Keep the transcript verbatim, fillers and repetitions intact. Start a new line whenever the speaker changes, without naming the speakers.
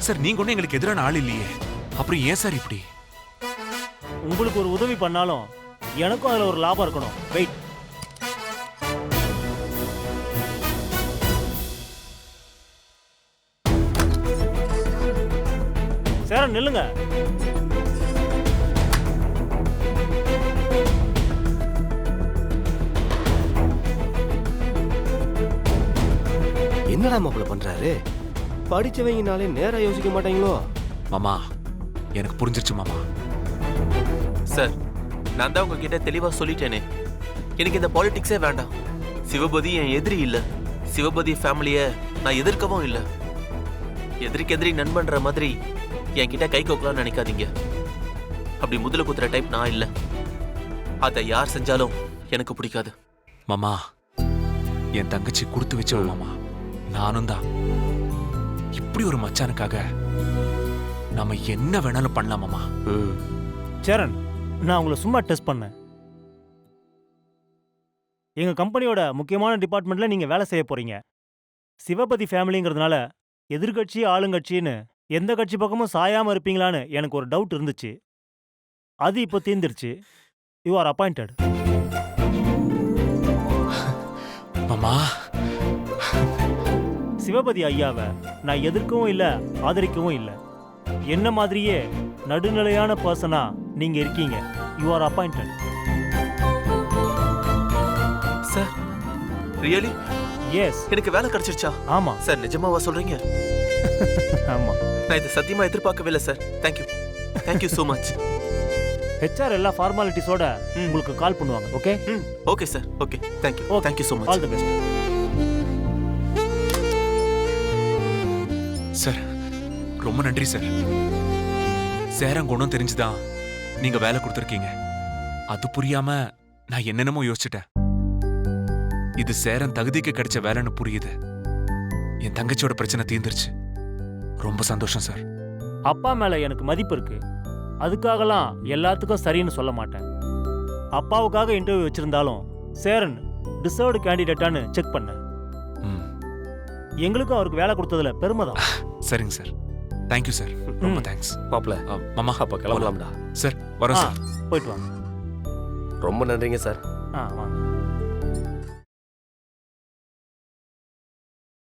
Sir நீங்க ஒன்றும் எங்களுக்கு எதிரான ஆள் இல்லையே, அப்புறம் ஏன் சார் இப்படி?
உங்களுக்கு ஒரு உதவி பண்ணாலும் எனக்கும் அதில் ஒரு லாபம் இருக்கணும். வெயிட். சேரன் நில்லுங்க.
என்னடா மாப்பிள்ள பண்றாரு? படிச்சவங்கனாலே நேரா யோசிக்க மாட்டாங்களோ?
மாமா எனக்கு புரிஞ்சிருச்சு மாமா.
சார் நான் தான் உங்ககிட்ட தெளிவா சொல்லிட்டேனே, எனக்கு இந்த பாலிடிக்ஸே வேண்டாம். சிவபதி என் எதிரி இல்ல, சிவபதி ஃபேமிலிய நான் எதிர்க்கவும் இல்லை. எதிரிக்கு எதிரி நண்பன்ற மாதிரி என்கிட்ட கை கோக்கலாம்னு நினைக்காதீங்க. அப்படி முதல குத்துற டைப் நான் இல்லை. அதை யார் செஞ்சாலும் எனக்கு பிடிக்காது.
மாமா என் தங்கச்சி கொடுத்து வச்சவ மாமா. நானும் தான். இப்படி ஒரு மச்சானுக்காக நாம என்ன வேணாலும் பண்ணலாம் மாமா.
சேரன், நான் உங்களை சும்மா டெஸ்ட் பண்ணேன். எங்க கம்பெனியோட முக்கியமான டிபார்ட்மெண்ட்ல நீங்க வேலை செய்ய போறீங்க. சிவபதி ஃபேமிலிங்கிறதுனால எதிர்கட்சி ஆளுங்கட்சின்னு எந்த கட்சி பக்கமும் சாயாம இருப்பீங்களான்னு எனக்கு ஒரு டவுட் இருந்துச்சு. அது இப்போ தீர்ந்துருச்சு. You are appointed.
மாமா
சிவபதி ஐயாவை நான் எதிர்க்கவும் இல்லை, ஆதரிக்கவும் இல்லை. என்ன மாதிரியே நடுநிலையான பர்சனா நீங்க இருக்கீங்க. You are appointed.
Sir really?
Yes.
எனக்கு வேலை கிடைச்சிருச்சா?
ஆமா
சார். நிஜமாவா சொல்றீங்க?
ஆமா.
நான் இதை சத்தியமா எதிர்பார்க்கவே இல்லை சார். Thank you thank you so much.
HR எல்லா ஃபார்மாலிட்டிஸோட உங்களுக்கு கால் பண்ணுவாங்க. ஓகே?
ம் okay sir. Okay thank you thank you so much.
All the best.
Sir ரொம்ப நன்றி சார். சேரங்குணம் தெரிஞ்சுதான் நீங்க வேலை கொடுத்துருக்கீங்க. அது புரியாம நான் என்னென்னமோ யோசிச்சுட்டேன். இது சேரன் தகுதிக்கு கிடைச்ச வேலைன்னு புரியுது. என் தங்கச்சியோட பிரச்சனை தீர்ந்துருச்சு. ரொம்ப சந்தோஷம் சார்.
அப்பா மேல எனக்கு மதிப்பு இருக்கு. அதுக்காகலாம் எல்லாத்துக்கும் சரின்னு சொல்ல மாட்டேன். அப்பாவுக்காக இன்டர்வியூ வச்சிருந்தாலும் சேரன் டிசர்வ்டு கேண்டிடேட்டான்னு செக் பண்ணேன். எங்களுக்கும் அவருக்கு வேலை கொடுத்ததுல பெருமை தான்.
சரிங்க சார். Thank you sir. ரொம்ப தேங்க்ஸ்.
மாப்பிள்ள
மாமா
அப்ப கிளம்பலாம்டா.
சார் வரோம் சார்.
போயிட்டு வாங்க.
ரொம்ப நன்றிங்க சார்.
ஆ வாங்க.